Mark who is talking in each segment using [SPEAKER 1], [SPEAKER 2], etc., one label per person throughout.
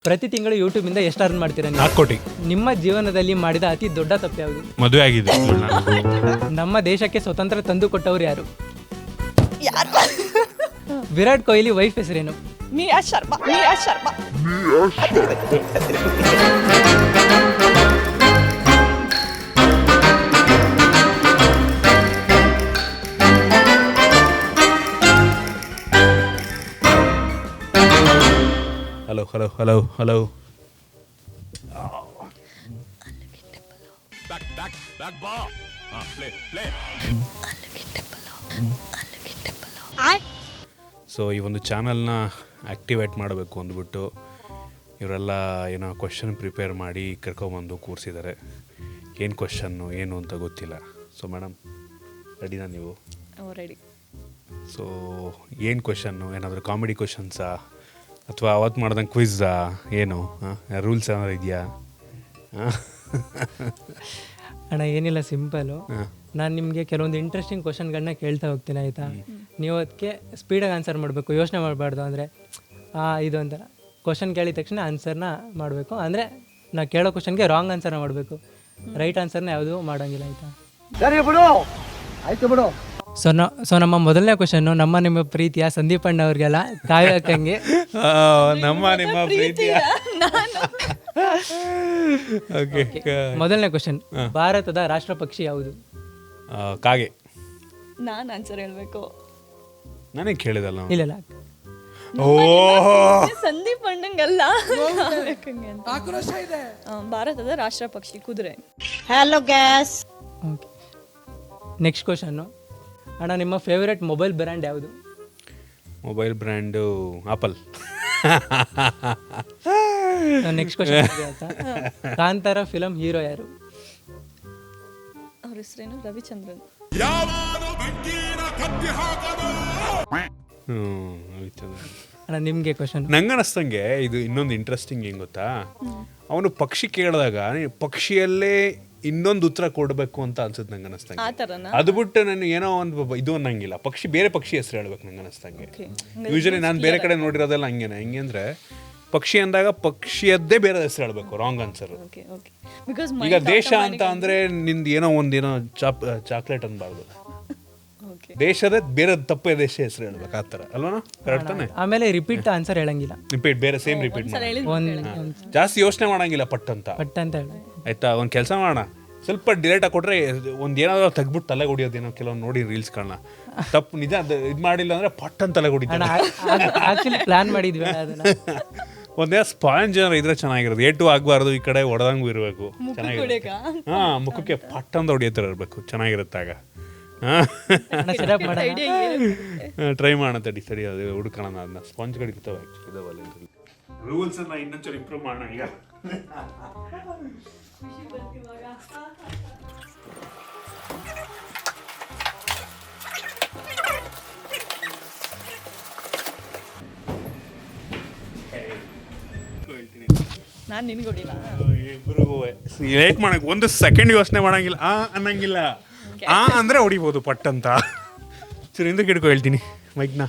[SPEAKER 1] ಪ್ರತಿ ತಿಂಗಳು ಯೂಟ್ಯೂಬ್ ಇಂದ ಎಷ್ಟು ಅರ್ನ್ ಮಾಡ್ತೀರಾ ನೀವು?
[SPEAKER 2] 4 ಕೋಟಿ.
[SPEAKER 1] ನಿಮ್ಮ ಜೀವನದಲ್ಲಿ ಮಾಡಿದ ಅತಿ ದೊಡ್ಡ ತಪ್ಪು ಯಾವುದು?
[SPEAKER 2] ಮದುವೆ ಆಗಿದೆ.
[SPEAKER 1] ನಮ್ಮ ದೇಶಕ್ಕೆ ಸ್ವತಂತ್ರ ತಂದು ಕೊಟ್ಟವರು ಯಾರು? ವಿರಾಟ್ ಕೊಹ್ಲಿ ವೈಫ್ ಹೆಸರೇನು?
[SPEAKER 3] ಮಿಯಾ ಶರ್ಮಾ.
[SPEAKER 2] ಹಲೋ. ಸೊ ಈ ಒಂದು ಚಾನಲ್ನ ಆ್ಯಕ್ಟಿವೇಟ್ ಮಾಡಬೇಕು ಅಂದ್ಬಿಟ್ಟು ಇವರೆಲ್ಲ ಏನೋ ಕ್ವಶನ್ ಪ್ರಿಪೇರ್ ಮಾಡಿ ಕರ್ಕೊಬಂದು ಕೂರಿಸಿದ್ದಾರೆ. ಏನು ಕ್ವಶನ್ನು ಏನು ಅಂತ ಗೊತ್ತಿಲ್ಲ. ಸೊ ಮೇಡಮ್ ರೆಡಿನಾ ನೀವು?
[SPEAKER 3] ರೆಡಿ.
[SPEAKER 2] ಸೊ ಏನು ಕ್ವಶನ್ನು? ಏನಾದರೂ ಕಾಮಿಡಿ ಕ್ವಶನ್ಸಾ ಅಥವಾ ಅವತ್ತು ಮಾಡ್ದಂಗೆ ಕ್ವಿಝಾ? ಏನು ರೂಲ್ಸ್ ಏನಾದ್ರು ಇದೆಯಾ?
[SPEAKER 1] ಅಣ್ಣ ಏನಿಲ್ಲ, ಸಿಂಪಲು. ನಾನು ನಿಮಗೆ ಕೆಲವೊಂದು ಇಂಟ್ರೆಸ್ಟಿಂಗ್ ಕ್ವಶನ್ಗಳನ್ನ ಕೇಳ್ತಾ ಹೋಗ್ತೀನಿ, ಆಯಿತಾ? ನೀವು ಅದಕ್ಕೆ ಸ್ಪೀಡಾಗಿ ಆನ್ಸರ್ ಮಾಡಬೇಕು, ಯೋಚನೆ ಮಾಡಬಾರ್ದು. ಅಂದರೆ ಇದು ಅಂತ ಕ್ವಶನ್ ಕೇಳಿದ ತಕ್ಷಣ ಆನ್ಸರ್ನ ಮಾಡಬೇಕು. ಅಂದರೆ ನಾ ಕೇಳೋ ಕ್ವಶನ್ಗೆ ರಾಂಗ್ ಆನ್ಸರ್ನ ಮಾಡಬೇಕು, ರೈಟ್ ಆನ್ಸರ್ನ ಯಾವುದೂ ಮಾಡೋಂಗಿಲ್ಲ, ಆಯಿತಾ? ಸೊ ನಮ್ಮ ಮೊದಲನೇ ಕ್ವಶನ್ನು ನಿಮ್ಮ ಪ್ರೀತಿಯ ಸಂದೀಪ್ ಅಣ್ಣ ಅವ್ರಿಗೆಲ್ಲ ಕಾವ್ಯಕ್ಕಂಗೆ
[SPEAKER 2] ನಿಮ್ಮ ಪ್ರೀತಿಯ
[SPEAKER 1] ಮೊದಲನೇ ಕ್ವಶನ್, ಭಾರತದ ರಾಷ್ಟ್ರ ಪಕ್ಷಿ ಯಾವುದು?
[SPEAKER 2] ಕಾಗೆ.
[SPEAKER 3] ನಾನು ಆನ್ಸರ್ ಹೇಳ್ಬೇಕು?
[SPEAKER 2] ನನಗೆ ಕೇಳಿದಲ್ಲ.
[SPEAKER 1] ಇಲ್ಲ
[SPEAKER 3] ಸಂದೀಪ್ ಅಣ್ಣಂಗಲ್ಲ, ಭಾರತದ ರಾಷ್ಟ್ರ ಪಕ್ಷಿ ಕುದುರೆ.
[SPEAKER 4] Hello guys.
[SPEAKER 1] Okay, next question, ಅಣ್ಣ ನಿಮ್ಮ ಫೇವರೆಟ್ ಮೊಬೈಲ್ ಬ್ರ್ಯಾಂಡ್ ಯಾವುದು?
[SPEAKER 2] Mobile brand Apple.
[SPEAKER 1] Next question, Kantara film hero ಯಾರು?
[SPEAKER 3] ಅವ್ರ ಹೆಸರೇನು? ರವಿಚಂದ್ರನ್.
[SPEAKER 1] ಅಣ್ಣ ನಿಮಗೆ ಕ್ವಶನ್.
[SPEAKER 2] ನಂಗೆ ಅನಿಸ್ತಂಗೆ ಇದು ಇನ್ನೊಂದು ಇಂಟ್ರೆಸ್ಟಿಂಗ್ ಏನು ಗೊತ್ತಾ, ಅವನು ಪಕ್ಷಿ ಕೇಳಿದಾಗ ಪಕ್ಷಿಯಲ್ಲೇ ಇನ್ನೊಂದು ಉತ್ತರ ಕೊಡಬೇಕು ಅಂತ ಅನ್ಸುತ್ತೆ ನಂಗೆ ಅನಿಸ್ತಂಗೆ. ಅದು ಬಿಟ್ಟು ನಾನು ಏನೋ ಒಂದು ಇದು ಅನ್ನಂಗಿಲ್ಲ, ಬೇರೆ ಪಕ್ಷಿ ಹೆಸರು ಹೇಳ್ಬೇಕು ನಂಗೆ ಅನಿಸ್ತಂಗೆ. ಯೂಶಲಿ ನಾನು ಬೇರೆ ಕಡೆ ನೋಡಿರೋದೆಲ್ಲ ಹಂಗೇನೆ. ಹೆಂಗೆ ಅಂದರೆ ಪಕ್ಷಿ ಅಂದಾಗ ಪಕ್ಷಿಯದ್ದೇ ಬೇರೆ ಹೆಸರು ಹೇಳ್ಬೇಕು, ರಾಂಗ್ ಆನ್ಸರ್. ಈಗ ದೇಶ ಅಂತ ಅಂದರೆ ನಿಂದು ಏನೋ ಒಂದೇನೋ ಚಾಕ್ಲೇಟ್ ಅನ್ಬಾರ್ದು, ದೇಶದ ಬೇರೆ ತಪ್ಪೇ ದೇಶ ಹೆಸರು ಹೇಳ್ಬೇಕು, ಆ ಥರ ಅಲ್ವಾ? ಕರೆಕ್ಟ್ ತಾನೆ?
[SPEAKER 1] ಆಮೇಲೆ ರಿಪೀಟ್ ಆನ್ಸರ್ ಹೇಳಂಗಿಲ್ಲ,
[SPEAKER 2] ಬೇರೆ ಸೇಮ್ ರಿಪೀಟ್ ಜಾಸ್ತಿ ಯೋಚನೆ ಮಾಡಂಗಿಲ್ಲ, ಪಟ್ ಅಂತ
[SPEAKER 1] ಹೇಳಿ.
[SPEAKER 2] ಆಯ್ತಾ? ಒಂದು ಕೆಲಸ ಮಾಡೋಣ, ಸ್ವಲ್ಪ ಡಿಲೇಟ್ ಆಗಿ ಕೊಟ್ರೆ ಒಂದು ಏನಾದ್ರು ತೆಗ್ಬಿಟ್ಟು ತಲೆ ಹೊಡಿಯೋದೇನೋ ಕೆಲವೊಂದು ನೋಡಿ ರೀಲ್ಸ್ಗಳನ್ನ. ತಪ್ಪು ನಿಜ ಇದು ಮಾಡಿಲ್ಲ ಅಂದ್ರೆ ಪಟ್ ಅಂತ ತಲೆ ಹೊಡಿತಾರೆ.
[SPEAKER 1] ಆಕ್ಚುಲಿ ಪ್ಲಾನ್ ಮಾಡಿದ್ವಿ ಅದನ್ನ.
[SPEAKER 2] ಒಂದೇ ಸ್ಪಾಂಜ್ ಏನಾರು ಇದ್ರೆ ಚೆನ್ನಾಗಿರೋದು, ಏಟು ಆಗಬಾರ್ದು, ಈ ಕಡೆ ಹೊಡೆದಂಗೂ ಇರಬೇಕು, ಚೆನ್ನಾಗಿರುತ್ತೆ. ಮುಖಕ್ಕೆ ಪಟ್ ಅಂತ ಹೊಡಿಯೋತರ ಇರಬೇಕು, ಚೆನ್ನಾಗಿರುತ್ತಾಗ. ಟ್ರೈ ಮಾಡೋಣ, ಸರಿ ಅದು ಹುಡುಕೋಣ, ಅದನ್ನ ಸ್ಪಾಂಜ್ಗಳು ಇರ್ತವೆ ಆ್ಯಕ್ಚುಲಿ. ರೂಲ್ಸನ್ನು ಇನ್ನೊಂಚೂರು ಇಂಪ್ರೂವ್ ಮಾಡೋಣ ಈಗ.
[SPEAKER 3] ನಾನು ನಿನ್ಗೆ ಹೊಡಿಲ್ಲ,
[SPEAKER 2] ಇಬ್ರಿಗೂ ಲೇಟ್ ಮಾಡಕ್ಕೆ ಒಂದು ಸೆಕೆಂಡ್ ಯೋಚನೆ ಮಾಡಂಗಿಲ್ಲ, ಅನ್ನಂಗಿಲ್ಲ. ಅಂದರೆ ಹೊಡಿಬೋದು ಪಟ್ ಅಂತ. ಸರಿ, ಹಿಂದಕ್ಕೆ ಹಿಡ್ಕೊ ಹೇಳ್ತೀನಿ ಮೈಕ್ನ.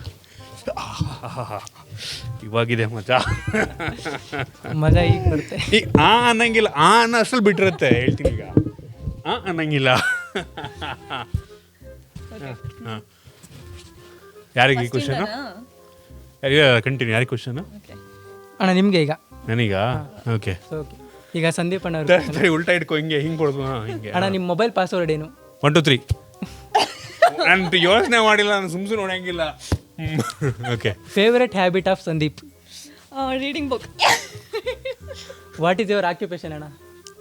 [SPEAKER 2] ಇವಾಗಿದೆ ಮಜಾ
[SPEAKER 1] ಈಗ ಬರುತ್ತೆ.
[SPEAKER 2] ಈಗ ಅನ್ನಂಗಿಲ್ಲ, ಅನ್ನೋ ಅಷ್ಟಲ್ಲಿ ಬಿಟ್ಟಿರುತ್ತೆ. ಹೇಳ್ತೀನಿ ಈಗ, ಅನ್ನಂಗಿಲ್ಲ. ಯಾರಿಗೆ ಈ ಕ್ವಶನು? ಕಂಟಿನ್ಯೂ. ಯಾರಿಗೆ ಕ್ವಶನು?
[SPEAKER 1] ಅಣ್ಣ ನಿಮಗೆ ಈಗ.
[SPEAKER 2] ನನಗ? ಓಕೆ.
[SPEAKER 1] ಈಗ ಸಂದೀಪ್ ಅಣ್ಣ
[SPEAKER 2] ಉಲ್ಟಾ ಇಟ್ಕೊ, ಹಿಂಗೆ ಕೊಡ್ದು. ಹಿಂಗೆ.
[SPEAKER 1] ಅಣ್ಣ ನಿಮ್ಮ ಮೊಬೈಲ್ ಪಾಸ್ವರ್ಡ್ ಏನು?
[SPEAKER 2] 1 2 3. ನಾನು ಯೋಚನೆ ಮಾಡಿಲ್ಲ, ನಾನು ಸುಮ್ಮನೆ ನೋಡಂಗಿಲ್ಲ. Okay.
[SPEAKER 1] Favourite habit of Sandeep?
[SPEAKER 3] Reading book.
[SPEAKER 1] What is your occupation ಅಣ್ಣ?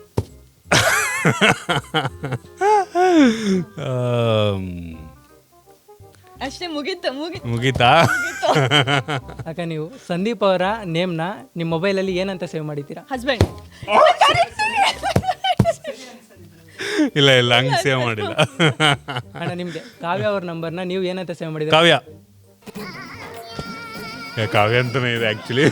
[SPEAKER 3] ಅಷ್ಟೇ,
[SPEAKER 2] ಮುಗೀತಾ?
[SPEAKER 1] ಅಕ್ಕ ನೀವು ಸಂದೀಪ್ ಅವರ ನೇಮ್ನ ನಿಮ್ಮ ಮೊಬೈಲಲ್ಲಿ ಏನಂತ ಸೇವ್ ಮಾಡಿದ್ದೀರಾ?
[SPEAKER 3] ಹಸ್ಬೆಂಡ್.
[SPEAKER 2] ಇಲ್ಲ ಹಂಗೆ ಸೇವ್ ಮಾಡಿಲ್ಲ.
[SPEAKER 1] ಅಣ್ಣ ನಿಮಗೆ ಕಾವ್ಯ ಅವ್ರ ನಂಬರ್ನ ನೀವು ಏನಂತ ಸೇವ್ ಮಾಡಿದ್ದೀರಾ?
[SPEAKER 2] ಕಾವ್ಯ ಅಂತಾನೆ ಇದೆ ಆಕ್ಚುಲಿ.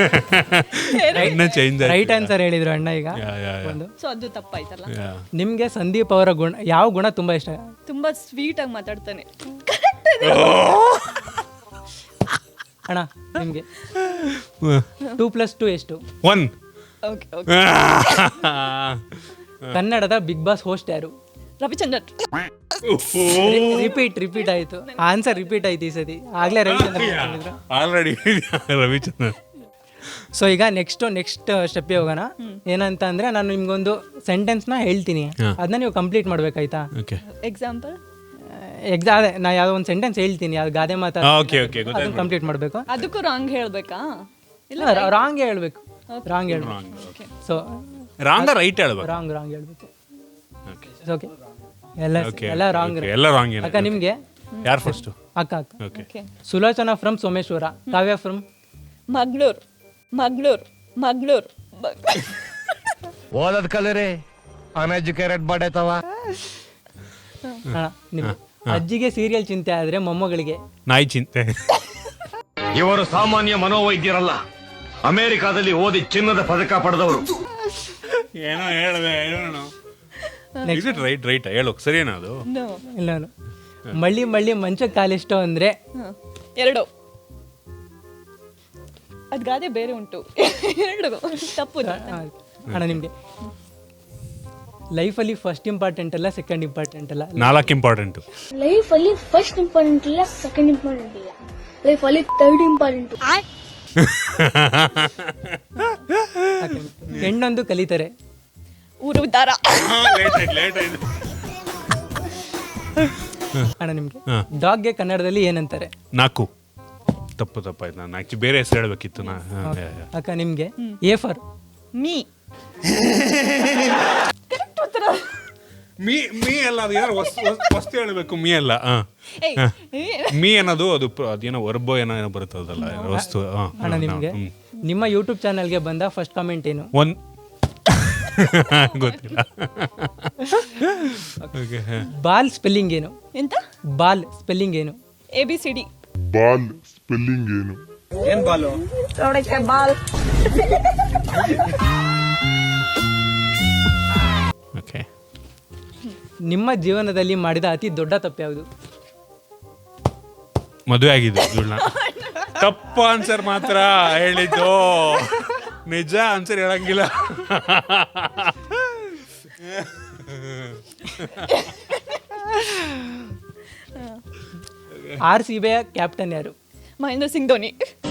[SPEAKER 1] ರೈಟ್ ಆನ್ಸರ್ ಹೇಳಿದ್ರು ಅಣ್ಣ. ಈಗ
[SPEAKER 3] ಸೊ ಅದು ತಪ್ಪಾಯ್ತಲ್ಲ.
[SPEAKER 1] ನಿಮ್ಗೆ ಸಂದೀಪ್ ಅವರ ಯಾವ ಗುಣ ತುಂಬಾ ಇಷ್ಟ?
[SPEAKER 3] ತುಂಬಾ ಸ್ವೀಟ್ ಆಗಿ ಮಾತಾಡ್ತಾನೆ.
[SPEAKER 1] ಅಣ್ಣ ನಿಮಗೆ 2+2 ಎಷ್ಟು?
[SPEAKER 2] 1.
[SPEAKER 3] Okay okay.
[SPEAKER 1] ಕನ್ನಡದ ಬಿಗ್ ಬಾಸ್ ಹೋಸ್ಟ್ ಯಾರು?
[SPEAKER 3] ರವಿಚಂದ್ರನ್.
[SPEAKER 1] ರಿಪೀಟ್ ಆಯ್ತು, ಆನ್ಸರ್ ರಿಪೀಟ್ ಆಯ್ತು ಈ ಸತಿ. ಆಗ್ಲೇ ರವಿಚಂದ್ರನ್.
[SPEAKER 2] ಆಲ್ರೆಡಿ ರವಿಚಂದ್ರನ್.
[SPEAKER 1] ಸೊ ಈಗ ನೆಕ್ಸ್ಟ್ ಸ್ಟೆಪ್ಗೆ ಹೋಗೋಣ. ಏನಂತ ಅಂದ್ರೆ ನಾನು ನಿಮ್ಗೊಂದು ಸೆಂಟೆನ್ಸ್ನ ಹೇಳ್ತೀನಿ, ಅದನ್ನ ನೀವು ಕಂಪ್ಲೀಟ್ ಮಾಡ್ಬೇಕಾಯ್ತಾ?
[SPEAKER 2] ಓಕೆ.
[SPEAKER 3] ಎಕ್ಸಾಂಪಲ್?
[SPEAKER 1] ಅದೇ ನಾ ಯಾವುದೋ ಒಂದು ಸೆಂಟೆನ್ಸ್ ಹೇಳ್ತೀನಿ, ಅದು ಗಾದೆ ಮಾತಾ ಕಂಪ್ಲೀಟ್ ಮಾಡಬೇಕು.
[SPEAKER 3] ಅದಕ್ಕೂ ರಾಂಗ್ ಹೇಳ್ಬೇಕಾ? ಇಲ್ಲ
[SPEAKER 1] ರಾಂಗ್ ಹೇಳ್ಬೇಕು. ರಾಂಗ್ ಹೇಳ್ಬೇಕು. ಸೊ
[SPEAKER 2] ರಾಂಗ್ ರೈಟ್ ಹೇಳ್ಬೇಕು.
[SPEAKER 1] ರಾಂಗ್ ಹೇಳ್ಬೇಕು. ಓಕೆ, ಎಲ್ಲ ರಾಂಗ್.
[SPEAKER 2] ಎಲ್ಲ ರಾಂಗ್.
[SPEAKER 1] ಅಕ್ಕ ನಿಮ್ಗೆ
[SPEAKER 2] ಯಾರು ಫಸ್ಟ್?
[SPEAKER 1] ಅಕ್ಕ.
[SPEAKER 3] Okay.
[SPEAKER 1] Sulochana from Someshwara, Kavya from
[SPEAKER 3] Mangalore.
[SPEAKER 4] ಓದದ್ ಕಲರಿ ಅನ್ಎಜುಕೇಟೆಡ್ ಬಾಡೈತವ.
[SPEAKER 1] ಅಜ್ಜಿಗೆ ಸೀರಿಯಲ್ ಚಿಂತೆ ಆದ್ರೆ ಮೊಮ್ಮಗಳಿಗೆ
[SPEAKER 2] ನಾಯಿ ಚಿಂತೆ.
[SPEAKER 4] ಇವರು ಸಾಮಾನ್ಯ ಮನೋವೈದ್ಯರಲ್ಲ, ಅಮೆರಿಕಾದಲ್ಲಿ ಓದಿ ಚಿನ್ನದ ಪದಕ ಪಡೆದವರು.
[SPEAKER 2] ಏನೋ ಹೇಳಿದೆ. ರೈಟ್ ಹೇಳು, ಸರಿನಾ ಅದು?
[SPEAKER 1] ಇಲ್ಲ, ಮಳ್ಳಿ ಮಂಚಕ್ಕೆ ಕಾಲಿಷ್ಟು ಅಂದ್ರೆ
[SPEAKER 3] 2. ಅದ್ ಗಾದೆ ಬೇರೆ ಉಂಟು. 2 ತಪ್ಪು.
[SPEAKER 1] ಅಣ್ಣ ನಿಮ್ಗೆ ಲೈಫಲ್ಲಿ ಫಸ್ಟ್ ಇಂಪಾರ್ಟೆಂಟ್ ಅಲ್ಲ, ಸೆಕೆಂಡ್ ಇಂಪಾರ್ಟೆಂಟ್ ಅಲ್ಲ,
[SPEAKER 2] 4 ಇಂಪಾರ್ಟೆಂಟ್.
[SPEAKER 5] ಲೈಫಲ್ಲಿ ಫಸ್ಟ್ ಇಂಪಾರ್ಟೆಂಟ್ ಇಲ್ಲ, ಸೆಕೆಂಡ್ ಇಂಪಾರ್ಟೆಂಟ್ ಇಲ್ಲ, ಲೈಫಲ್ಲಿ ಥರ್ಡ್ ಇಂಪಾರ್ಟೆಂಟ್.
[SPEAKER 1] ಹೆಣ್ಣೊಂದು ಕಲಿತಾರೆ,
[SPEAKER 3] ಊರು ಉದ್ದಾರ.
[SPEAKER 1] ಅಣ್ಣ ನಿಮ್ಗೆ ಡಾಗ್ಗೆ ಕನ್ನಡದಲ್ಲಿ ಏನಂತಾರೆ?
[SPEAKER 2] 4. ತಪ್ಪಾಯ್ತು. ನಾನು ಆಕ್ಚುಲಿ ಬೇರೆ ಹೆಸರು ಹೇಳ್ಬೇಕಿತ್ತು.
[SPEAKER 1] ಅಕ್ಕ ನಿಮ್ಗೆ ಎ ಫಾರ್
[SPEAKER 3] ಮೀ.
[SPEAKER 2] ಮೀ ಅಲ್ಲ, ಅದು ಯಾರು ವಸ್ತು ಹೇಳ್ಬೇಕು. ಮೀ ಅಲ್ಲ, ಮೀ ಅನ್ನೋದು ಅದೇನೋ ವರ್ಬೋ ಏನೋ ಬರುತ್ತದಲ್ಲ ವಸ್ತು.
[SPEAKER 1] ಅಣ್ಣ ನಿಮ್ಗೆ ನಿಮ್ಮ ಯೂಟ್ಯೂಬ್ ಚಾನಲ್ಗೆ ಬಂದ ಫಸ್ಟ್ ಕಾಮೆಂಟ್ ಏನು?
[SPEAKER 2] ಗೊತ್ತಿಲ್ಲ.
[SPEAKER 1] ಬಾಲ್ ಸ್ಪೆಲ್ಲಿಂಗ್ ಏನು?
[SPEAKER 3] ಎಂತ?
[SPEAKER 1] ಬಾಲ್ ಸ್ಪೆಲ್ಲಿಂಗ್ ಏನು?
[SPEAKER 3] ABCD.
[SPEAKER 6] ಬಾಲ್ ಸ್ಪೆಲ್ಲಿಂಗ್ ಏನು?
[SPEAKER 1] ಏನ್ ಬಾಲು?
[SPEAKER 3] ಬಾಲ್.
[SPEAKER 2] ಓಕೆ.
[SPEAKER 1] ನಿಮ್ಮ ಜೀವನದಲ್ಲಿ ಮಾಡಿದ ಅತಿ ದೊಡ್ಡ ತಪ್ಪು ಯಾವುದು?
[SPEAKER 2] ಮದುವೆ ಆಗಿದ್ದು. ತಪ್ಪ ಆನ್ಸರ್ ಮಾತ್ರ ಹೇಳಿದ್ದು, ನಿಜ ಆನ್ಸರ್ ಹೇಳಂಗಿಲ್ಲ.
[SPEAKER 1] RCB ಕ್ಯಾಪ್ಟನ್ ಯಾರು?
[SPEAKER 3] ಮಹೇಂದ್ರ ಸಿಂಗ್ ಧೋನಿ.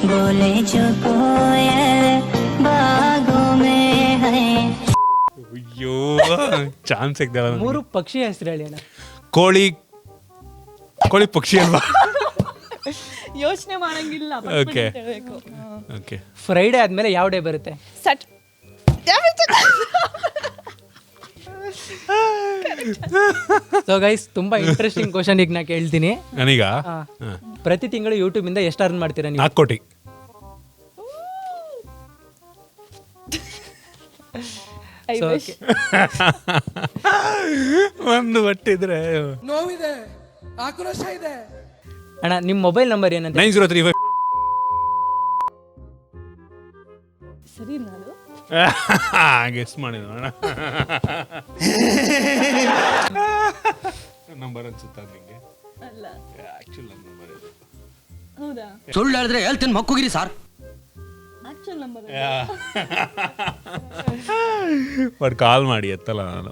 [SPEAKER 2] ಅಯ್ಯೋ, ಚಾನ್ಸ್ ಸಿಗ್ದಲ್ಲ.
[SPEAKER 1] 3 ಪಕ್ಷಿ ಹೆಸರು ಹೇಳಿ ಅಣ್ಣ.
[SPEAKER 2] ಕೋಳಿ ಪಕ್ಷಿ ಅಲ್ವಾ?
[SPEAKER 3] ಯೋಚನೆ ಮಾಡಂಗಿಲ್ಲ.
[SPEAKER 2] ಓಕೆ. ಓಕೆ.
[SPEAKER 1] ಫ್ರೈಡೆ ಆದ್ಮೇಲೆ ಯಾವ ಡೇ ಬರುತ್ತೆ?
[SPEAKER 3] ಸಟ್.
[SPEAKER 1] ಸೊ ಗೈಸ್, ತುಂಬಾ ಇಂಟ್ರೆಸ್ಟಿಂಗ್ ಕ್ವಶನ್ ಈಗ ನಾ ಕೇಳ್ತೀನಿ.
[SPEAKER 2] ನನೀಗ
[SPEAKER 1] ಪ್ರತಿ ತಿಂಗಳು ಯೂಟ್ಯೂಬ್ ಇಂದ ಎಷ್ಟು ಅರ್ನ್ ಮಾಡ್ತೀರಾ ನೀವು?
[SPEAKER 2] 4 ಕೋಟಿ. ಒಂದು ಒಟ್ಟಿದ್ರೆ
[SPEAKER 7] ನೋವಿದೆ, ಆಕ್ರೋಶ ಇದೆ.
[SPEAKER 1] ಅಣ್ಣ ನಿಮ್ಮ ಮೊಬೈಲ್ ನಂಬರ್ ಏನಂತ?
[SPEAKER 2] 9035.
[SPEAKER 3] ಸರಿ, ನಾನು
[SPEAKER 2] ಗೆಸ್ ಮಾಡಿದ ಅಣ್ಣ. ನಂಬರ್ ಅನ್ಸುತ್ತಾ ನಿಂಗೆ?
[SPEAKER 3] ಅಲ್ಲ,
[SPEAKER 2] ಆಕ್ಚುಲ್ ನಂಬರ್ ಇದು.
[SPEAKER 3] ಹೌದಾ?
[SPEAKER 7] ಸುಳ್ಳು ಹೇಳಿದ್ರೆ ಹೇಳ್ತೀನಿ ಮಕ್ಕುಗಿರಿ sir.
[SPEAKER 3] Actual number
[SPEAKER 2] but call ಮಾಡಿ ಎತ್ತಲ್ಲ ನಾನು.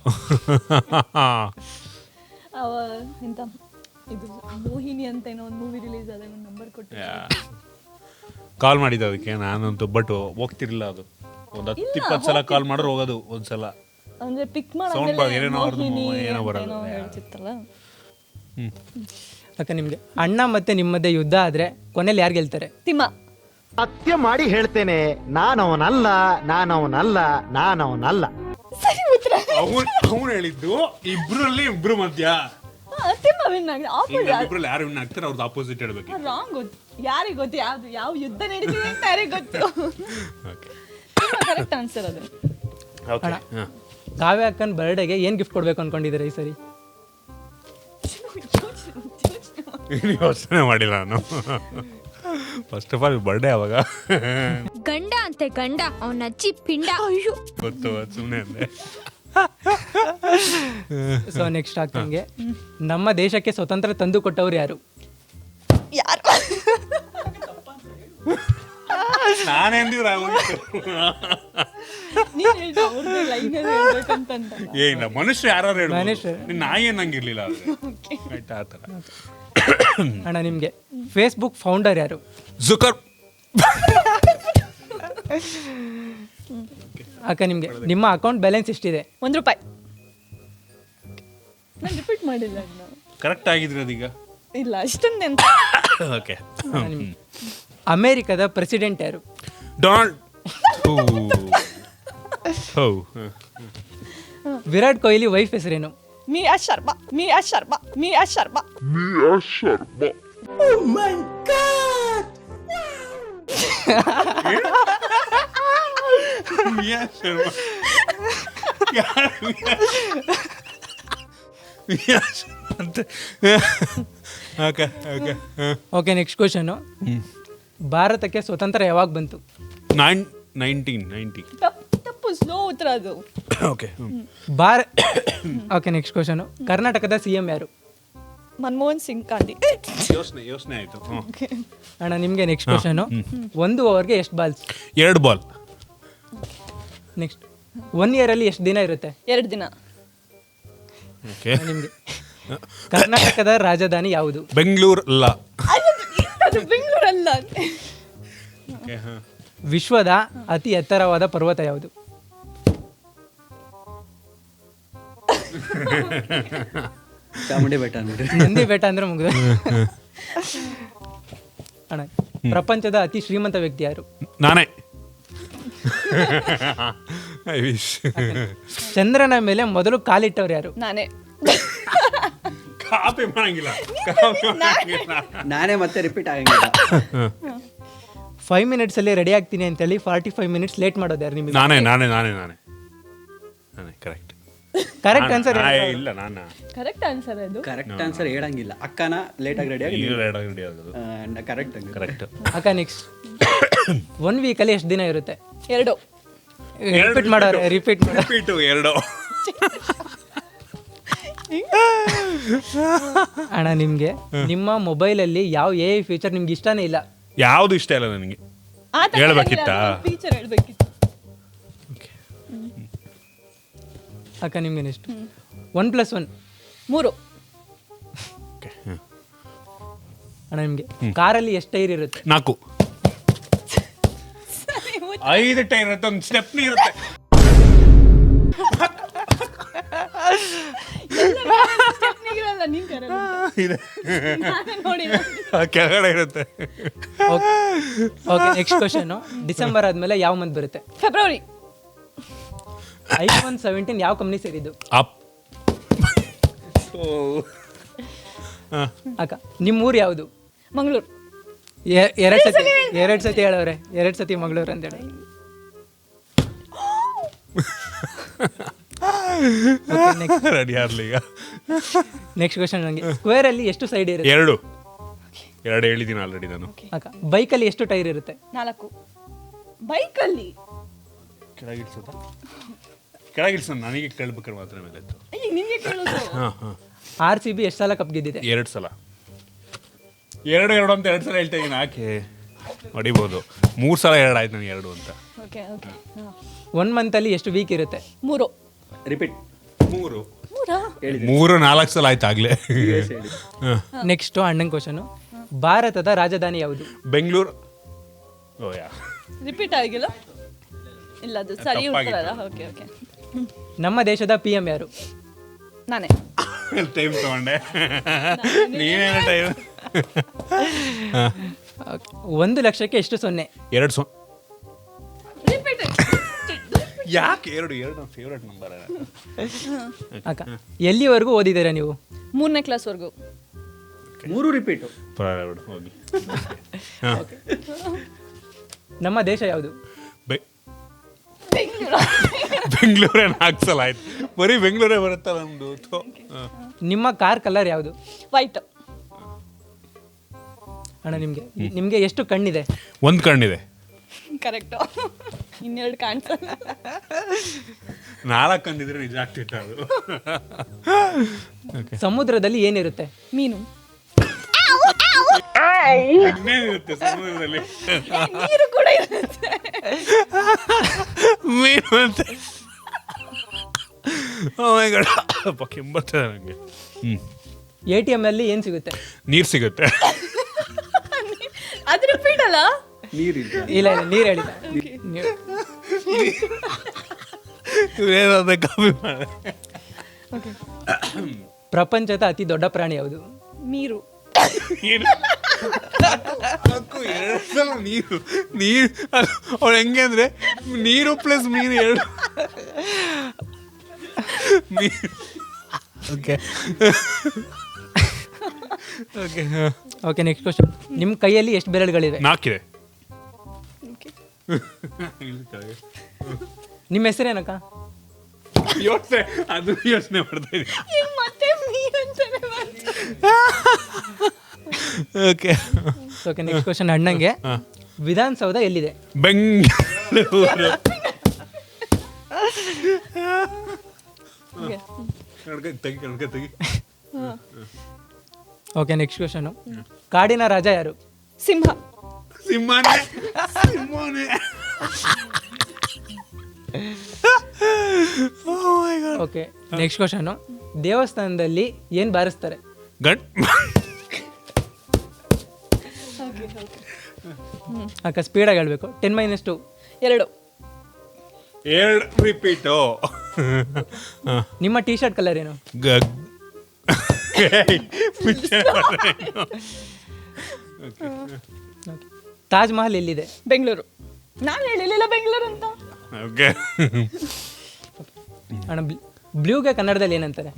[SPEAKER 3] ಎಂತ ಇದು ಮೋಹಿನಿ ಅಂತ ಏನೋ ಒಂದು ಮೂವಿ ರಿಲೀಸ್ ಆದ ಒಂದು ನಂಬರ್ ಕೊಟ್ಟು
[SPEAKER 2] ಕಾಲ್ ಮಾಡಿದ್ದೆ ಅದಕ್ಕೆ ನಾನಂತೂ, ಬಟ್ ಹೋಗ್ತಿರ್ಲಿಲ್ಲ. ಅದು ಒಂದು 10-20 ಸಲ ಕಾಲ್ ಮಾಡಿದ್ರೆ ಹೋಗೋದು ಒಂದ್ಸಲ.
[SPEAKER 3] ಅಂದ್ರೆ ಪಿಕ್
[SPEAKER 2] ಸೌಂಡ್ ಏನೋ ಬರೋದು.
[SPEAKER 3] ಹೇಳ್ತಿತ್ತಲ್ಲ.
[SPEAKER 1] ಅಕ್ಕ ನಿಮ್ಗೆ ಅಣ್ಣ ಮತ್ತೆ ನಿಮ್ಮದೇ ಯುದ್ಧ ಆದ್ರೆ ಕೊನೆಯಲ್ಲಿ ಯಾರು ಗೆಲ್ತಾರೆ?
[SPEAKER 3] ತಿಮ್ಮ.
[SPEAKER 8] ಸತ್ಯ ಮಾಡಿ ಹೇಳ್ತೇನೆ, ನಾನವನಲ್ಲ.
[SPEAKER 3] ಸರಿ ಉತ್ತರ.
[SPEAKER 2] ಅವನು ಹೇಳಿದ್ದು ಇಬ್ರು ಮಧ್ಯ.
[SPEAKER 3] ತಿಮ್ಮ ವಿನ್ ಆಗಿದೆ.
[SPEAKER 2] ಇಬ್ರಲ್ಲಿ ಯಾರು ವಿನ್ ಆಗ್ತಾರೆ ಅವ್ರದ್ದು ಆಪೋಸಿಟ್ ಹೇಳ್ಬೇಕು.
[SPEAKER 3] ರಾಂಗ್ ಗೊತ್ತು. ಯಾರಿಗೆ ಗೊತ್ತು ಯಾವ ಯುದ್ಧ ನಡೀತಿದೆ ಅಂತ ಯಾರಿಗೆ ಗೊತ್ತು? ಕರೆಕ್ಟ್ ಆನ್ಸರ್ ಅದು.
[SPEAKER 1] ಕಾವ್ಯ ಅಕ್ಕನ ಬರ್ಡೇಗೆ ಏನ್ ಗಿಫ್ಟ್ ಕೊಡ್ಬೇಕು ಅನ್ಕೊಂಡಿದ್ದೀರಾ ಈ ಸರಿ?
[SPEAKER 2] ಯೋಚನೆ ಮಾಡಿಲ್ಲ ನಾನು. ಫಸ್ಟ್ ಆಫ್ ಆಲ್ ಬರ್ಡೇ ಅವಾಗ
[SPEAKER 9] ಗಂಡ ಅಂತೆ ಗಂಡ, ಅವನ ಅಜ್ಜಿ ಪಿಂಡ. ಅಯ್ಯೋ
[SPEAKER 2] ಗೊತ್ತು, ಸುಮ್ಮನೆ ಅಂದೆ.
[SPEAKER 1] ಸೊ ನೆಕ್ಸ್ಟ್ ಆಗ್ತಂಗೆ, ನಮ್ಮ ದೇಶಕ್ಕೆ ಸ್ವತಂತ್ರ ತಂದು ಕೊಟ್ಟವ್ರು ಯಾರು?
[SPEAKER 3] ಯಾರು?
[SPEAKER 2] ನಾನೇಂದಿವ್ರ
[SPEAKER 3] ನೀನ್ ಹೇಳ್ತಾ ಅವ್ರದ್ದೇ ಲೈನ್ ಹೇಳ್ಬೇಕಂತ
[SPEAKER 2] ಏನಿಲ್ಲ, ಮನುಷ್ಯ ಯಾರು ಹೇಳ
[SPEAKER 1] ಮನುಷ್ಯ.
[SPEAKER 2] ನಾಯಿ ಅನ್ನಂಗಿರ್ಲಿಲ್ಲ ಆದ್ರೆ ಆಯ್ತಾ ಆ ಥರ.
[SPEAKER 1] ಅಣ್ಣ ನಿಮಗೆ ಫೇಸ್ಬುಕ್ ಫೌಂಡರ್ ಯಾರು?
[SPEAKER 2] ಜುಕರ್
[SPEAKER 1] ಅಕ್ಕ ನಿಮಗೆ ನಿಮ್ಮ ಅಕೌಂಟ್ ಬ್ಯಾಲೆನ್ಸ್ ಎಷ್ಟಿದೆ?
[SPEAKER 3] ₹1. ನಾನು ರಿಪೀಟ್ ಮಾಡಿಲ್ಲ ಅದನ್ನ.
[SPEAKER 2] ಕರೆಕ್ಟ್ ಆಗಿದ್ರೆ ಅದೀಗ
[SPEAKER 3] ಇಲ್ಲ ಅಷ್ಟೊಂದು ಅಂತ.
[SPEAKER 2] ಓಕೆ.
[SPEAKER 1] ಅಮೇರಿಕದ ಪ್ರೆಸಿಡೆಂಟ್ ಯಾರು?
[SPEAKER 2] ಡೊನಾಲ್ಡ್
[SPEAKER 1] ವಿರಾಟ್ ಕೊಹ್ಲಿ ವೈಫ್ ಹೆಸರೇನು?
[SPEAKER 3] Mia Sharma.
[SPEAKER 2] Mia Sharma.
[SPEAKER 1] Okay, next question. ಭಾರತಕ್ಕೆ ಸ್ವತಂತ್ರ ಯಾವಾಗ ಬಂತು?
[SPEAKER 2] 1990.
[SPEAKER 3] ತಪ್ಪು, ಸ್ಲೋ ಉತ್ತರ ಅದು.
[SPEAKER 2] ಓಕೆ.
[SPEAKER 1] Okay, next question. ಕರ್ನಾಟಕದ CM ಯಾರು?
[SPEAKER 3] ಮನಮೋಹನ್ ಸಿಂಗ್ ಗಾಂಧಿ.
[SPEAKER 2] ಯೋಚನೆ ಆಯ್ತು.
[SPEAKER 1] ಅಣ್ಣ ನಿಮಗೆ ನೆಕ್ಸ್ಟ್ ಕ್ವಶನು. 1 ಓವರ್ಗೆ ಎಷ್ಟು ಬಾಲ್ಸ್?
[SPEAKER 2] 2 ಬಾಲ್.
[SPEAKER 1] ನೆಕ್ಸ್ಟ್ 1 ಇಯರಲ್ಲಿ ಎಷ್ಟು ದಿನ ಇರುತ್ತೆ?
[SPEAKER 3] 2 ದಿನ.
[SPEAKER 2] ಓಕೆ.
[SPEAKER 1] ನಿಮಗೆ ಕರ್ನಾಟಕದ ರಾಜಧಾನಿ ಯಾವುದು?
[SPEAKER 2] ಬೆಂಗಳೂರು ಅಲ್ಲ.
[SPEAKER 3] ಅದು ಬೆಂಗಳೂರಲ್ಲ.
[SPEAKER 1] ವಿಶ್ವದ ಅತಿ ಎತ್ತರವಾದ ಪರ್ವತ ಯಾವುದು?
[SPEAKER 7] ಚಾಮುಂಡಿ ಬೆಟ್ಟ ನೋಡ್ರಿ.
[SPEAKER 1] ನಂದಿ ಬೆಟ್ಟ ಅಂದ್ರೆ ಮುಗಿದು. ಅಣ್ಣ ಪ್ರಪಂಚದ ಅತಿ ಶ್ರೀಮಂತ ವ್ಯಕ್ತಿ ಯಾರು?
[SPEAKER 2] ನಾನೇ. I wish.
[SPEAKER 1] ಚಂದ್ರನ ಮೇಲೆ ಮೊದಲು ಕಾಲಿಟ್ಟವ್ರು ಯಾರು?
[SPEAKER 3] ನಾನೇ.
[SPEAKER 2] ಕಾಪಿ ಮಾಡಂಗಿಲ್ಲ.
[SPEAKER 7] ನಾನೇ ಮತ್ತೆ ರಿಪೀಟ್ ಆಗಂಗಿಲ್ಲ.
[SPEAKER 1] 5 minutes ಅಲ್ಲಿ ರೆಡಿ ಆಗ್ತೀನಿ ಅಂತೇಳಿ 45 minutes ಲೇಟ್ ಮಾಡೋದು ಯಾರು ನಿಮಗೆ?
[SPEAKER 2] ನಾನೇ ಕರೆಕ್ಟ್.
[SPEAKER 1] ಕರೆಕ್ಟ್ ಆನ್ಸರ್
[SPEAKER 2] ಇಲ್ಲ ನಾನು
[SPEAKER 3] ಕರೆಕ್ಟ್ ಆನ್ಸರ್ ಅದು.
[SPEAKER 7] ಕರೆಕ್ಟ್ ಆನ್ಸರ್ ಹೇಳಂಗಿಲ್ಲ. ಅಕ್ಕನ ಲೇಟಾಗಿ ರೆಡಿ ಆಗಿ ಕರೆಕ್ಟ್
[SPEAKER 2] ಕರೆಕ್ಟ್.
[SPEAKER 1] ಅಕ್ಕ ನೆಕ್ಸ್ಟ್ 1 ವೀಕಲ್ಲಿ ಎಷ್ಟು ದಿನ ಇರುತ್ತೆ?
[SPEAKER 3] 2.
[SPEAKER 1] ರಿಪೀಟ್ ಮಾಡೋರು ರಿಪೀಟ್
[SPEAKER 2] 2.
[SPEAKER 1] ಅಣ್ಣ ನಿಮಗೆ ನಿಮ್ಮ ಮೊಬೈಲಲ್ಲಿ ಯಾವ AI ಫೀಚರ್ ನಿಮ್ಗೆ ಇಷ್ಟನೇ ಇಲ್ಲ?
[SPEAKER 2] ಯಾವುದು ಇಷ್ಟ ಇಲ್ಲ ನನಗೆ. ಹೇಳ್ಬೇಕಿತ್ತಾ?
[SPEAKER 3] ಫೀಚರ್ ಹೇಳ್ಬೇಕಿತ್ತು.
[SPEAKER 1] ಅಕ್ಕ ನಿಮ್ಗೆ ನೆಕ್ಸ್ಟ್ 1+1
[SPEAKER 3] 3.
[SPEAKER 1] ಅಣ್ಣ ನಿಮಗೆ ಕಾರಲ್ಲಿ ಎಷ್ಟು ಟೈರ್ ಇರುತ್ತೆ?
[SPEAKER 2] 4. 5 ಟೈರ್ ಇರುತ್ತೆ, ಒಂದು ಸ್ಟೆಪ್ನಿ ಇರುತ್ತೆ.
[SPEAKER 3] ಸ್ಟೆಪ್ನಿಗಿರಲ್ಲ, ನೀನ್ ಕರೆಲ್ಲ.
[SPEAKER 2] ಇದೆ.
[SPEAKER 3] ನಾನೇ ನೋಡಿಲ್ಲ.
[SPEAKER 2] ಕೆಳಗಡೆ ಇರುತ್ತೆ.
[SPEAKER 1] Okay, next question. ಡಿಸೆಂಬರ್ ಆದ್ಮೇಲೆ ಯಾವ ಮಂತ್ ಬರುತ್ತೆ?
[SPEAKER 3] ಫೆಬ್ರವರಿ.
[SPEAKER 1] iPhone 17 ಯಾವ ಕಂಪ್ನಿ ಸೇರಿದ್ದು?
[SPEAKER 2] ಅಪ್.
[SPEAKER 1] ಅಕ್ಕ ನಿಮ್ಮ ಊರು ಯಾವುದು?
[SPEAKER 3] ಮಂಗಳೂರು.
[SPEAKER 1] ಎರಡು ಸತಿ ಹೇಳವ್ರೆ. 2 ಸತಿ ಮಂಗಳೂರು ಅಂತ ಹೇಳಿ.
[SPEAKER 2] ರೆಡಿ ಆಗ್ಲಿ ಈಗ.
[SPEAKER 1] Next question. ನನಗೆ ಸ್ಕ್ವೇರ್ ಅಲ್ಲಿ ಎಷ್ಟು ಸೈಡ್ ಇರುತ್ತೆ?
[SPEAKER 2] 2 ಹೇಳಿದ್ದೀನಿ ಆಲ್ರೆಡಿ ನಾನು.
[SPEAKER 1] ಅಕ್ಕ ಬೈಕಲ್ಲಿ ಎಷ್ಟು ಟೈರ್ ಇರುತ್ತೆ?
[SPEAKER 3] 4. ಬೈಕಲ್ಲಿ
[SPEAKER 2] ಕೆಳಗಿಳಿಸ ನನಗೆ ಕೇಳ್ಬೇಕಾದ್ರೆ ಮಾತ್ರ ಮೇಲೆ ಇತ್ತು.
[SPEAKER 3] ನಿಮಗೆ ಕೇಳೋದು.
[SPEAKER 1] RCB ಎಷ್ಟು ಸಲ ಕಪ್ ಗೆದ್ದಿದೆ?
[SPEAKER 2] 2 ಸಲ. 2 ಅಂತ 2 ಸಲ ಹೇಳ್ತಾ ಇದ್ದೀನಿ. ಯಾಕೆ ಹೊಡಿಬೋದು? 3 ಸಲ 2 ಆಯ್ತು ನನಗೆ 2 ಅಂತ.
[SPEAKER 3] Okay okay.
[SPEAKER 1] 1 ಮಂತ್ ಅಲ್ಲಿ ಎಷ್ಟು ವೀಕ್ ಇರುತ್ತೆ?
[SPEAKER 3] 3.
[SPEAKER 7] ರಿಪೀಟ್.
[SPEAKER 2] 3.
[SPEAKER 3] 3
[SPEAKER 2] 4 ಸಲ ಆಯ್ತು ಆಗ್ಲೇ.
[SPEAKER 1] ನೆಕ್ಸ್ಟ್ ಅಣ್ಣನ ಕ್ವಶನ್. ಭಾರತದ ರಾಜಧಾನಿ ಯಾವುದು?
[SPEAKER 2] ಬೆಂಗಳೂರು.
[SPEAKER 3] ರಿಪೀಟ್ ಆಗಿಲ್ಲ. ಇಲ್ಲ ಅದು ಸರಿ ಉತ್ತರ ಅಲ್ಲ. Okay okay.
[SPEAKER 1] ನಮ್ಮ ದೇಶದ PM ಯಾರು?
[SPEAKER 3] ನಾನೇ.
[SPEAKER 2] ಟೈಮ್ ತಗೊಂಡೆ. ನೀನೇನು ಟೈಮ್?
[SPEAKER 1] 1 ಲಕ್ಷಕ್ಕೆ ಎಷ್ಟು 0?
[SPEAKER 2] 2.
[SPEAKER 3] ರಿಪೀಟ್.
[SPEAKER 2] ಯಾಕೆ 2 ನನ್ನ ಫೇವ್ರೆಟ್ ನಂಬರ್.
[SPEAKER 1] ಅಕ್ಕ ಎಲ್ಲಿವರೆಗೂ ಓದಿದ್ದೀರಾ ನೀವು?
[SPEAKER 3] 3ನೇ ಕ್ಲಾಸ್ವರೆಗೂ.
[SPEAKER 7] 3 ರಿಪೀಟು.
[SPEAKER 2] ಹೋಗಿ.
[SPEAKER 1] ನಮ್ಮ ದೇಶ ಯಾವುದು?
[SPEAKER 2] ಬೆಂಗಳೂರೇ 4 ಸಲ ಆಯ್ತು. ಬರೀ ಬೆಂಗಳೂರೇ ಬರುತ್ತಾ ನಮ್ದು?
[SPEAKER 1] ನಿಮ್ಮ ಕಾರ್ ಕಲರ್ ಯಾವುದು?
[SPEAKER 3] ವೈಟ್.
[SPEAKER 1] ಅಣ್ಣ ನಿಮಗೆ ಎಷ್ಟು ಕಣ್ಣಿದೆ?
[SPEAKER 2] 1 ಕಣ್ಣಿದೆ.
[SPEAKER 3] ಕರೆಕ್ಟ್. 2 ಕಾಣಿಸಲ್ಲ.
[SPEAKER 2] 4 ಕಂಡಿದ್ರೆ ನಿಜ ಆಗ್ತಿತ್ತು ಅದು.
[SPEAKER 1] ಸಮುದ್ರದಲ್ಲಿ ಏನಿರುತ್ತೆ?
[SPEAKER 3] ಮೀನು.
[SPEAKER 2] ಇನ್ನೇನಿರುತ್ತೆ ಸಮುದ್ರದಲ್ಲಿ?
[SPEAKER 3] ನೀರು ಕೂಡ ಇರುತ್ತೆ.
[SPEAKER 2] ಮೀನು ಅಂತೆ. ಓ ಮೈ ಗಾಡ್, ಅಪ್ಪ ಕೆಂಬರ್ತದೆ ನನಗೆ.
[SPEAKER 1] ATM ಅಲ್ಲಿ ಏನು ಸಿಗುತ್ತೆ?
[SPEAKER 2] ನೀರು ಸಿಗುತ್ತೆ.
[SPEAKER 3] ಅದು ರಿಪೀಟ್ ಅಲ್ಲ?
[SPEAKER 7] ನೀರಿಲ್ಲ.
[SPEAKER 1] ಇಲ್ಲ ನೀರು ಹೇಳಿದ.
[SPEAKER 2] ಇವೇನಾದ್ರೆ ಕಾಪಿ ಮಾಡಿ.
[SPEAKER 1] ಪ್ರಪಂಚದ ಅತಿ ದೊಡ್ಡ ಪ್ರಾಣಿ ಯಾವುದು?
[SPEAKER 3] ನೀರು.
[SPEAKER 2] ಏನು ಎರಡು ಸಲ ನೀರು ನೀರು ಅವಳು ಹೆಂಗೆ ಅಂದರೆ ನೀರು ಪ್ಲಸ್ ಮೀನು ಎರಡು. Okay okay
[SPEAKER 1] okay, next question. ನಿಮ್ಮ ಕೈಯಲ್ಲಿ ಎಷ್ಟು ಬೆರಳುಗಳಿವೆ?
[SPEAKER 2] 4 ಇದೆ.
[SPEAKER 1] ನಿಮ್ಮ ಹೆಸರೇನಕ್ಕ?
[SPEAKER 2] ಯೋಚನೆ ಮಾಡ್ತಾ ಇದ್ದೀನಿ.
[SPEAKER 3] ಮತ್ತೆ ನೀರು ಅಂತಾನೆ ಬಂತು.
[SPEAKER 2] Okay
[SPEAKER 1] okay, next question ಅಣ್ಣಂಗೆ. Vidhana Soudha ಎಲ್ಲಿದೆ?
[SPEAKER 2] ಬೆಂಗಳೂರು. ತೆಗಿ.
[SPEAKER 1] Okay, next question. ಕಾಡಿನ ರಾಜ ಯಾರು?
[SPEAKER 3] ಸಿಂಹ.
[SPEAKER 2] ಸಿಂಹನೇ.
[SPEAKER 1] Okay, next question. ದೇವಸ್ಥಾನದಲ್ಲಿ ಏನು ಬಾರಿಸ್ತಾರೆ? ಅಕ್ಕ ಸ್ಪೀಡಾಗಿ ಹೇಳ್ಬೇಕು. 10 - 2.
[SPEAKER 2] 2 ರಿಪೀಟು.
[SPEAKER 1] ನಿಮ್ಮ ಟೀ ಶರ್ಟ್ ಕಲರ್ ಏನು? ತಾಜ್ ಮಹಲ್ ಎಲ್ಲಿದೆ?
[SPEAKER 3] ಬೆಂಗಳೂರು. ನಾನು ಹೇಳಿಲ್ಲ ಬೆಂಗಳೂರು ಅಂತ.
[SPEAKER 2] ಓಕೆ
[SPEAKER 1] ಅಣ್ಣ, ಬ್ಲೂಗೆ ಕನ್ನಡದಲ್ಲಿ ಏನಂತಾರೆ?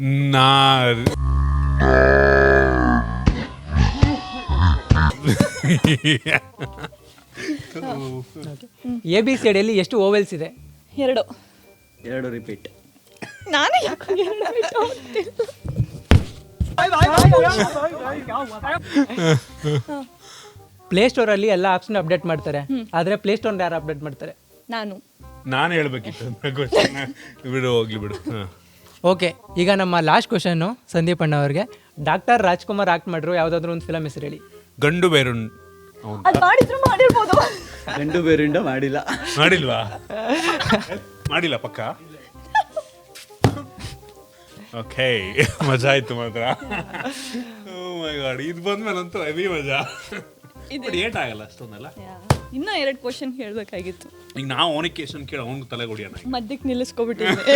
[SPEAKER 1] ABCD ಯಲ್ಲಿ ಎಷ್ಟು ಓವೆಲ್ಸ್ ಇದೆ?
[SPEAKER 7] 2 ರಿಪೀಟ್.
[SPEAKER 3] ನಾನೇ ಯಾಕೆ 2 ರಿಪೀಟ್ ಹೋಗ್ತಿಲ್ಲ?
[SPEAKER 1] ಪ್ಲೇಸ್ಟೋರಲ್ಲಿ ಎಲ್ಲ ಆಪ್ಷನ್ ಅಪ್ಡೇಟ್ ಮಾಡ್ತಾರೆ, ಆದರೆ ಪ್ಲೇಸ್ಟೋರ್ ಯಾರು ಅಪ್ಡೇಟ್ ಮಾಡ್ತಾರೆ?
[SPEAKER 3] ನಾನು
[SPEAKER 2] ಹೇಳ್ಬೇಕಿತ್ತು. ಬಿಡು, ಹೋಗ್ಲಿ ಬಿಡು.
[SPEAKER 1] ಓಕೆ, ಈಗ ನಮ್ಮ ಲಾಸ್ಟ್ ಕ್ವಶನ್ನು ಸಂದೀಪ್ ಅಣ್ಣ ಅವ್ರಿಗೆ. ಡಾಕ್ಟರ್ ರಾಜ್ಕುಮಾರ್ ಆಕ್ಟ್ ಮಾಡಿರೋ ಯಾವುದಾದ್ರೂ ಒಂದು ಫಿಲಮ್ ಹೆಸರು ಹೇಳಿ.
[SPEAKER 2] ಗಂಡು ಬೇರು.
[SPEAKER 3] ಅದು ಮಾಡಿದ್ರು ಮಾಡಿರ್ಬೋದು.
[SPEAKER 7] ಗಂಡು ಬೇರಿಂದ
[SPEAKER 2] ಮಾಡಿಲ್ವಾ? ಮಾಡಿಲ್ಲ ಪಕ್ಕ. ಓಕೆ, ಮಜಾ ಆಯ್ತು ಮಾತ್ರ. ಓ ಮೈ ಗಾಡ್, ಇದು ಬಂದ್ಮೇಲೆ ಅಂತೂ ಹೆವಿ ಮಜಾ. ಏಟಾಗಲ್ಲ ಅಷ್ಟೊಂದಲ್ಲ.
[SPEAKER 3] ಇನ್ನೂ 2 ಕ್ವಶನ್ ಹೇಳ್ಬೇಕಾಗಿತ್ತು.
[SPEAKER 2] ಈಗ ನಾವು ಅವನಿಗೆ ಕ್ವಶನ್ ಕೇಳಿ ಅವ್ನಿಗೆ ತಲೆ ಹೊಡಿಯೋಣ.
[SPEAKER 3] ಮಧ್ಯಕ್ಕೆ ನಿಲ್ಲಿಸ್ಕೊಬಿಟ್ಟಿದ್ದೆ.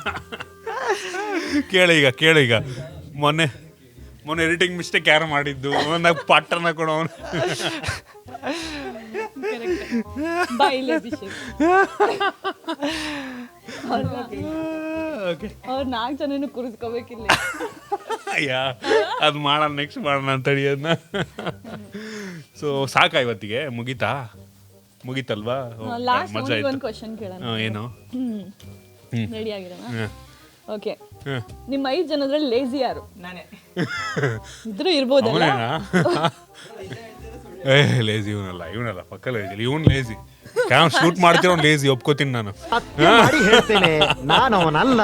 [SPEAKER 2] ಕೇಳು ಈಗ. ಮೊನ್ನೆ ಎಡಿಟಿಂಗ್ ಮಿಸ್ಟೇಕ್ ಯಾರು ಮಾಡಿದ್ದು ಒಂದಾಗ ಪಾಟರ್ನ ಕೊಡೋ ಅವನು.
[SPEAKER 3] ಅವ್ರು 4 ಜನನು ಕೂರಿಸ್ಕೋಬೇಕಿಲ್ಲ.
[SPEAKER 2] ಅಯ್ಯ, ಅದು ಮಾಡೋಣ, ನೆಕ್ಸ್ಟ್ ಮಾಡೋಣ ಅಂತ ಅದನ್ನ. ಸೊ ಸಾಕಾ ಇವತ್ತಿಗೆ? ಮುಗೀತಲ್ವಾ? ಮಜಾ ಆಯ್ತು.
[SPEAKER 3] ಒಂದು ಕ್ವಶನ್ ಕೇಳೋಣ.
[SPEAKER 2] ಏನು?
[SPEAKER 3] ರೆಡಿ ಆಗಿರೋಣ? ಓಕೆ, ನಿಮ್ಮ 5 ಜನದ್ರಲ್ಲಿ ಲೇಜಿ ಯಾರು?
[SPEAKER 1] ನಾನೇ.
[SPEAKER 3] ಇದ್ರೂ ಇರ್ಬೋದಲ್ಲ.
[SPEAKER 2] ಲೇಜಿ ಇವನಲ್ಲ ಪಕ್ಕ ಲೇಜಿ. ಇವನ್ ಲೇಜಿ. ಶೂಟ್ ಮಾಡ್ತಿರೋ ಲೇಜಿ, ಒಪ್ಕೋತೀನಿ ನಾನು.
[SPEAKER 8] ಸತ್ಯ ಮಾಡಿ ಹೇಳ್ತೇನೆ, ನಾನವನಲ್ಲ.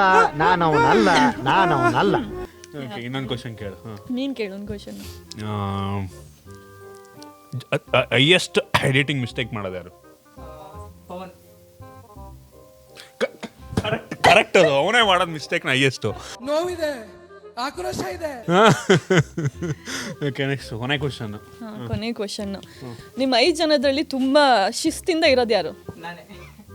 [SPEAKER 2] ಓಕೆ, ಇನ್ನೊಂದು ಕ್ವಶನ್ ಕೇಳು.
[SPEAKER 3] ನೀನ್ ಕೇಳು ಒಂದು ಕ್ವಶನ್.
[SPEAKER 2] ಹೈಯೆಸ್ಟ್ ಎಡಿಟಿಂಗ್ ಮಿಸ್ಟೇಕ್ ಮಾಡೋದು ಯಾರು? ಕರೆಕ್ಟ್, ಅದು ಅವನೇ ಮಾಡೋದು ಮಿಸ್ಟೇಕ್ನ ಹೈಯೆಸ್ಟ್.
[SPEAKER 10] ನೋವಿದೆ, ಆಕ್ರೋಶ ಇದೆ.
[SPEAKER 2] ಓಕೆ, ನೆಕ್ಸ್ಟ್ ಕೊನೆ ಕ್ವಶನ್.
[SPEAKER 3] ಕೊನೆ ಕ್ವಶನ್. ನಿಮ್ಮ 5 ಜನದಲ್ಲಿ ತುಂಬಾ ಶಿಸ್ತಿಂದ ಇರೋದು ಯಾರು?
[SPEAKER 1] ನಾನೇ.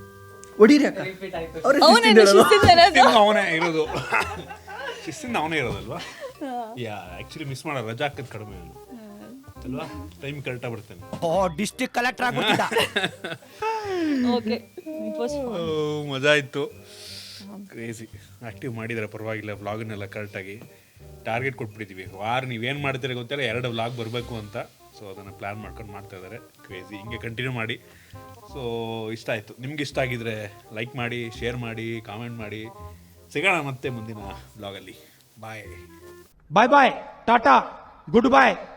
[SPEAKER 3] ಅವನೇ ಶಿಸ್ತಿಂದ ಇರೋದು.
[SPEAKER 2] ಅವನೇ ಇರೋದು. ಶಿಸ್ತಿಂದ ಅವನೇ ಇರೋದಲ್ವಾ? ಆಕ್ಚುಲಿ ಮಿಸ್ ಮಾಡೋ ರಜಾ ಹಾಕೋದು ಕಡಿಮೆ ಅಲ್ವಾ? ಟೈಮ್ ಕರೆಕ್ಟಾಗಿ ಬರ್ತೇನೆ.
[SPEAKER 8] District collector ಆಗ್ಬಿಟ್ಟಿದ್ದ.
[SPEAKER 3] ಓಕೆ,
[SPEAKER 2] ಮಜಾ ಇತ್ತು. ಕ್ರೇಜಿ ಆಕ್ಟಿವ್ ಮಾಡಿದರೆ ಪರವಾಗಿಲ್ಲ. ವ್ಲಾಗನ್ನೆಲ್ಲ ಕರೆಕ್ಟಾಗಿ ಟಾರ್ಗೆಟ್ ಕೊಟ್ಬಿಟ್ಟಿದ್ದೀವಿ. ನೀವೇನು ಮಾಡ್ತೀರ ಗೊತ್ತಿಲ್ಲ, 2 ವ್ಲಾಗ್ ಬರಬೇಕು ಅಂತ. ಸೊ ಅದನ್ನು ಪ್ಲ್ಯಾನ್ ಮಾಡ್ಕೊಂಡು ಮಾಡ್ತಾ ಇದ್ದಾರೆ. ಕ್ರೇಜಿ, ಹಿಂಗೆ ಕಂಟಿನ್ಯೂ ಮಾಡಿ. ಸೊ ಇಷ್ಟ ಆಯಿತು. ನಿಮ್ಗೆ ಇಷ್ಟ ಆಗಿದ್ರೆ ಲೈಕ್ ಮಾಡಿ, ಶೇರ್ ಮಾಡಿ, ಕಾಮೆಂಟ್ ಮಾಡಿ. ಸಿಗೋಣ ಮತ್ತೆ ಮುಂದಿನ ವ್ಲಾಗಲ್ಲಿ. ಬಾಯ್.
[SPEAKER 8] ಬಾಯ್ ಟಾಟಾ, ಗುಡ್ ಬಾಯ್.